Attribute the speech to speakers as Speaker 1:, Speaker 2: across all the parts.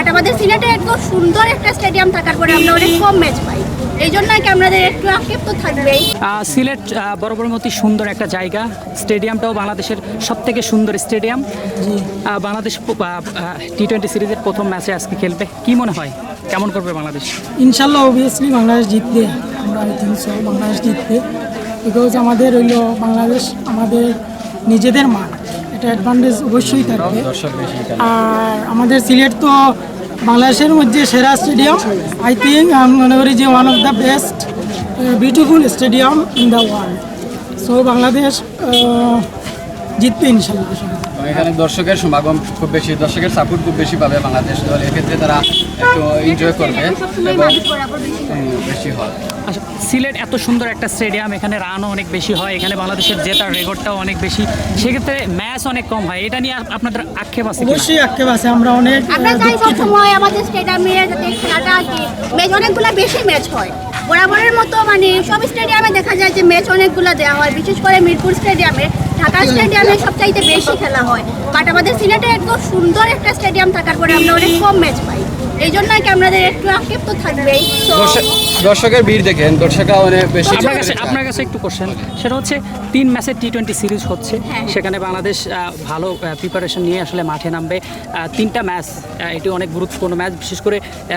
Speaker 1: But আমাদের সিলেটে এত সুন্দর একটা স্টেডিয়াম থাকার পরে আমরা অনেক কম ম্যাচ পাই, এই জন্য কি আমাদের একটু আক্ষেপ তো থাকবেই।
Speaker 2: সিলেট বরাবরের মতোই সুন্দর একটা জায়গা, স্টেডিয়ামটাও বাংলাদেশের সবথেকে সুন্দর স্টেডিয়াম। বাংলাদেশ টি-20 সিরিজের প্রথম ম্যাচে আজকে খেলবে, কি মনে হয় কেমন করবে বাংলাদেশ?
Speaker 3: ইনশাল্লাহ অবভিয়াসলি বাংলাদেশ জিতবে, আমরা আই থিঙ্ক সো বাংলাদেশ জিতবে, বিকজ আমাদের হইল বাংলাদেশ আমাদের নিজেদের মাঠ, এটা অ্যাডভান্টেজ অবশ্যই থাকবে। আর আমাদের সিলেট তো বাংলাদেশের মধ্যে সেরা স্টেডিয়াম, আই থিঙ্ক আমি মনে করি যে one of the best beautiful stadium in the world. So Bangladesh জিতবে ইনশাল্লাহ।
Speaker 4: এখানে দর্শকের সমাগম খুব বেশি, দর্শকের সাপোর্ট খুব বেশি পাবে বাংলাদেশ দল, এক্ষেত্রে তারা একটু এনজয় করবে এবং বেশি হয়।
Speaker 2: আচ্ছা, সিলেট এত সুন্দর একটা স্টেডিয়াম, এখানে রানও অনেক বেশি হয়, এখানে বাংলাদেশের জেতার রেকর্ডটাও অনেক বেশি, সেক্ষেত্রে ম্যাচ অনেক কম হয়, এটা নিয়ে আপনাদের আক্ষেপ আছে?
Speaker 3: অবশ্যই আক্ষেপ আছে, আমরা অনেক
Speaker 1: আমরা চাই সবসময় আমাদের স্টেডিয়ামে যাতে খেলাটা কি ম্যাচ অনেকগুলো বেশি ম্যাচ হয় বরাবরের মতো, মানে সব স্টেডিয়ামে দেখা যায় যে ম্যাচ অনেকগুলো দেওয়া হয়, বিশেষ করে মিরপুর স্টেডিয়ামে, ঢাকা স্টেডিয়ামে সবচাইতে বেশি খেলা হয়। বাট আমাদের সিলেটে এত সুন্দর একটা স্টেডিয়াম থাকার পরে আমরা অনেক কম ম্যাচ পাই, এই জন্য কি আমাদের একটু আক্ষেপ তো থাকবেই।
Speaker 4: দর্শকের ভিড় দেখেন, দর্শকরা অনেক বেশি।
Speaker 2: আপনার কাছে একটু কোশ্চেন, সেটা হচ্ছে 3 ম্যাচের টি-20 সিরিজ হচ্ছে, সেখানে বাংলাদেশ ভালো প্রিপারেশন নিয়ে আসলে মাঠে নামবে। 3টা ম্যাচ, এটি অনেক গুরুত্বপূর্ণ ম্যাচ, বিশেষ করে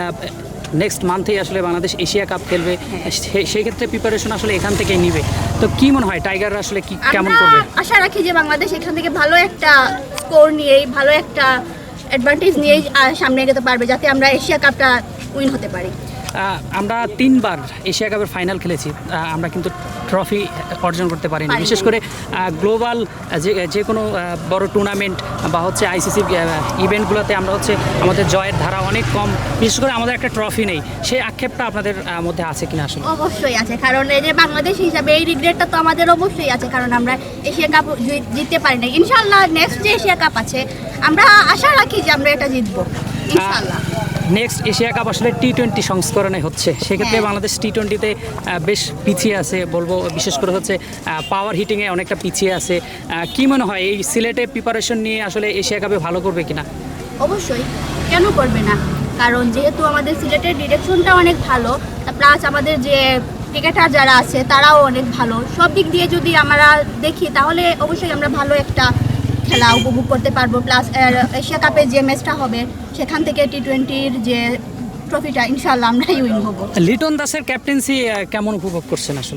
Speaker 2: নেক্সট মান্থেই আসলে বাংলাদেশ এশিয়া কাপ খেলবে, সেই ক্ষেত্রে প্রিপারেশন আসলে এখান থেকেই নিবে। তো কি মনে হয় টাইগাররা আসলে কি কেমন করবে?
Speaker 1: আশা রাখি যে বাংলাদেশ এখান থেকে ভালো একটা স্কোর নিয়েই, ভালো একটা অ্যাডভান্টেজ নিয়েই সামনে এগোতে পারবে, যাতে আমরা এশিয়া কাপটা উইন হতে পারি।
Speaker 2: আমরা 3বার এশিয়া কাপের ফাইনাল খেলেছি, আমরা কিন্তু ট্রফি অর্জন করতে পারিনি। বিশেষ করে গ্লোবাল যে কোনো বড় টুর্নামেন্ট বা হচ্ছে আইসিসি ইভেন্টগুলোতে আমরা হচ্ছে আমাদের জয়ের ধারা অনেক কম, বিশেষ করে আমাদের একটা ট্রফি নেই, সেই আক্ষেপটা আপনাদের মধ্যে আছে কিনা? আসলে
Speaker 1: অবশ্যই আছে, কারণ এই যে বাংলাদেশ হিসাবে এই রিগ্রেটটা তো আমাদের অবশ্যই আছে, কারণ আমরা এশিয়া কাপ জিততে পারি না। ইনশাল্লাহ নেক্সট যে এশিয়া কাপ আছে আমরা আশা রাখি যে আমরা এটা জিতবো ইনশাল্লাহ।
Speaker 2: নেক্সট এশিয়া কাপ আসলে টি-20 সংস্করণে হচ্ছে, সেক্ষেত্রে বাংলাদেশ টি-20তে বেশ পিছিয়ে আছে বলবো, বিশেষ করে হচ্ছে পাওয়ার হিটিংয়ে অনেকটা পিছিয়ে আছে। কি মনে হয় এই সিলেটে প্রিপারেশন নিয়ে আসলে এশিয়া কাপে ভালো করবে কিনা?
Speaker 1: অবশ্যই, কেন করবে না, কারণ যেহেতু আমাদের সিলেটের ডিরেকশনটা অনেক ভালো, প্লাস আমাদের যে ক্রিকেটার যারা আছে তারাও অনেক ভালো, সব দিক দিয়ে যদি আমরা দেখি তাহলে অবশ্যই আমরা ভালো একটা খেলা উপভোগ করতে পারবো। প্লাস এশিয়া কাপে যে ম্যাচটা হবে সেখান থেকে টি-20-র যে ট্রফিটা ইনশাল্লাহ আমরাই উইন হব।
Speaker 2: লিটন দাসের ক্যাপ্টেন্সি কেমন উপভোগ করছেন আসলে?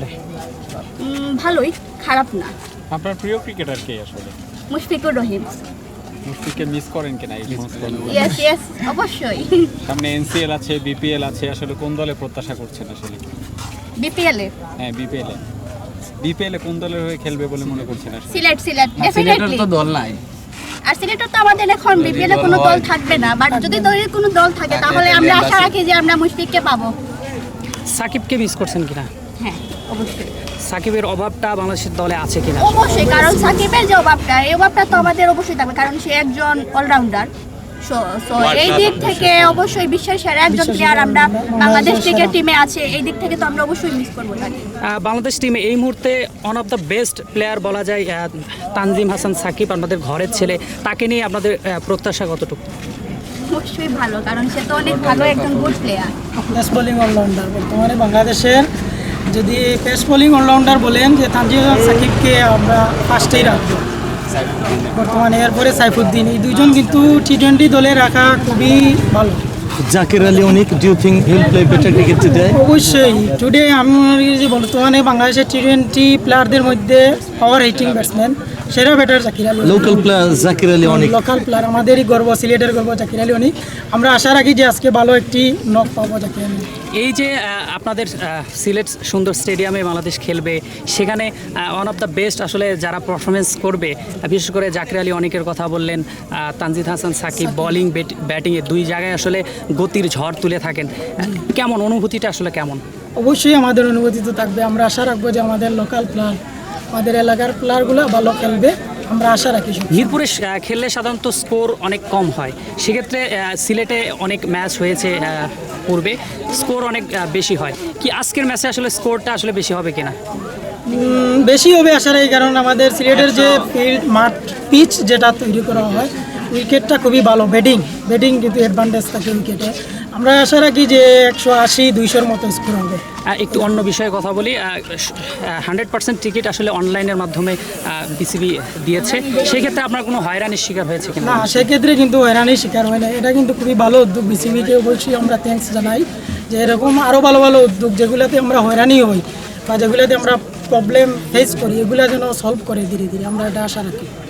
Speaker 1: ভালোই, খারাপ না।
Speaker 5: আপনার প্রিয় ক্রিকেটার কে আসলে?
Speaker 1: মুশফিকুর রহিম।
Speaker 5: মুশফিককে মিস করেন কিনা এই
Speaker 1: ইয়েস ইয়েস, অবশ্যই।
Speaker 5: সামনে এনসিএল আছে, বিপিএল আছে, আসলে কোন দলে প্রত্যাশা করছেন আসলে?
Speaker 1: বিপিএল এ?
Speaker 5: হ্যাঁ, বিপিএল এ কোন দলের হয়ে খেলবে বলে মনে করছেন আসলে?
Speaker 1: সিলেট ডেফিনেটলি।
Speaker 4: তো দল নাই,
Speaker 1: আর সিলেটের তো আমাদের এখন বিপিএল এ কোনো দল থাকবে না, বাট যদি দলের কোনো দল থাকে তাহলে আমরা আশা রাখি যে আমরা মুশফিককে পাবো।
Speaker 2: সাকিবকে মিস করছেন কিনা?
Speaker 1: হ্যাঁ অবশ্যই।
Speaker 2: সাকিবের অভাবটা বাংলাদেশের দলে আছে কিনা?
Speaker 1: অবশ্যই, কারণ সাকিবের যে অভাবটা, এই অভাবটা তো আমাদের অবশ্যই থাকবে, কারণ সে একজন অলরাউন্ডার। সো এই দিক থেকে অবশ্যই বিশ্বের সেরা একজন প্লেয়ার আমরা বাংলাদেশ ক্রিকেট টিমে আছে, এই দিক থেকে তো আমরা অবশ্যই মিস করবো তাকে।
Speaker 2: বাংলাদেশ টিমে এই মুহূর্তে one of the best player বলা যায় তানজিম হাসান সাকিব, আপনাদের ঘরের ছেলে, তাকে নিয়ে আপনাদের প্রত্যাশা কতটুকু?
Speaker 1: অবশ্যই ভালো, কারণ সে তো অনেক ভালো একজন good player.
Speaker 3: Pace bowling allrounder বর্তমানে বাংলাদেশের, যদি পেস বোলিং অলরাউন্ডার বলেন যে তানজিম হাসান সাকিবকে আমরা ফার্স্টেই রাখবো বর্তমানে, এরপরে সাইফুদ্দিন, এই দুজন কিন্তু টি-20 দলে রাখা খুবই ভালো।
Speaker 6: Zakir Ali Onik, do you think he'll play better cricket today?
Speaker 3: অবশ্যই টুডে আমি মনে করি যে বর্তমানে বাংলাদেশের টি-20 প্লেয়ারদের মধ্যে পাওয়ার হিটিং ব্যাটসম্যান সেরা batter Zakir Ali.
Speaker 6: Local player Zakir Ali Onik.
Speaker 3: Local player, আমাদেরই গর্ব, সিলেটের গর্ব জাকির আলী অনিক। আমরা আশা রাখি যে আজকে ভালো একটি নক পাবো জাকির আলী।
Speaker 2: এই যে আপনাদের সিলেট সুন্দর স্টেডিয়ামে বাংলাদেশ খেলবে, সেখানে ওয়ান অফ দ্য বেস্ট আসলে যারা পারফরমেন্স করবে, বিশেষ করে জাকির আলী অনেকের কথা বললেন, তানজিদ হাসান সাকিব বোলিং ব্যাটিংয়ে দুই জায়গায় আসলে গতির ঝড় তুলে থাকেন, কেমন অনুভূতিটা আসলে কেমন?
Speaker 3: অবশ্যই আমাদের অনুভূতি তো থাকবে, আমরা আশা রাখবো যে আমাদের লোকাল প্লেয়ার, আমাদের এলাকার প্লেয়ারগুলো ভালো খেলবে, আমরা আশা রাখি।
Speaker 2: মিরপুরে খেললে সাধারণত স্কোর অনেক কম হয়, সেক্ষেত্রে সিলেটে অনেক ম্যাচ হয়েছে পূর্বে, স্কোর অনেক বেশি হয়, কি আজকের ম্যাচে আসলে স্কোরটা আসলে বেশি হবে কিনা?
Speaker 3: বেশি হবে আশা রাখি, কারণ আমাদের সিলেটের যে ফিল্ড মাঠ পিচ যেটা তৈরি করা হয় উইকেটটা খুবই ভালো, ব্যাটিং কিন্তু অ্যাডভান্টেজ থাকে উইকেটে। আমরা আশা রাখি যে 180-200 মতো স্কোর হবে।
Speaker 2: একটু অন্য বিষয়ে কথা বলি, 100% টিকিট আসলে অনলাইনের মাধ্যমে বিসিবি দিয়েছে, সেই ক্ষেত্রে আপনার কোনো হয়রানির শিকার হয়েছে কিনা?
Speaker 3: না, সেক্ষেত্রে কিন্তু হয়রানির শিকার হয় না। এটা কিন্তু খুবই ভালো উদ্যোগ, বিসিবিকে অবশ্যই আমরা থ্যাঙ্কস জানাই যে এরকম আরও ভালো ভালো উদ্যোগ যেগুলোতে আমরা হয়রানি হই বা যেগুলোতে আমরা প্রবলেম ফেস করি এগুলো যেন সলভ করে ধীরে ধীরে, আমরা এটা আশা রাখি।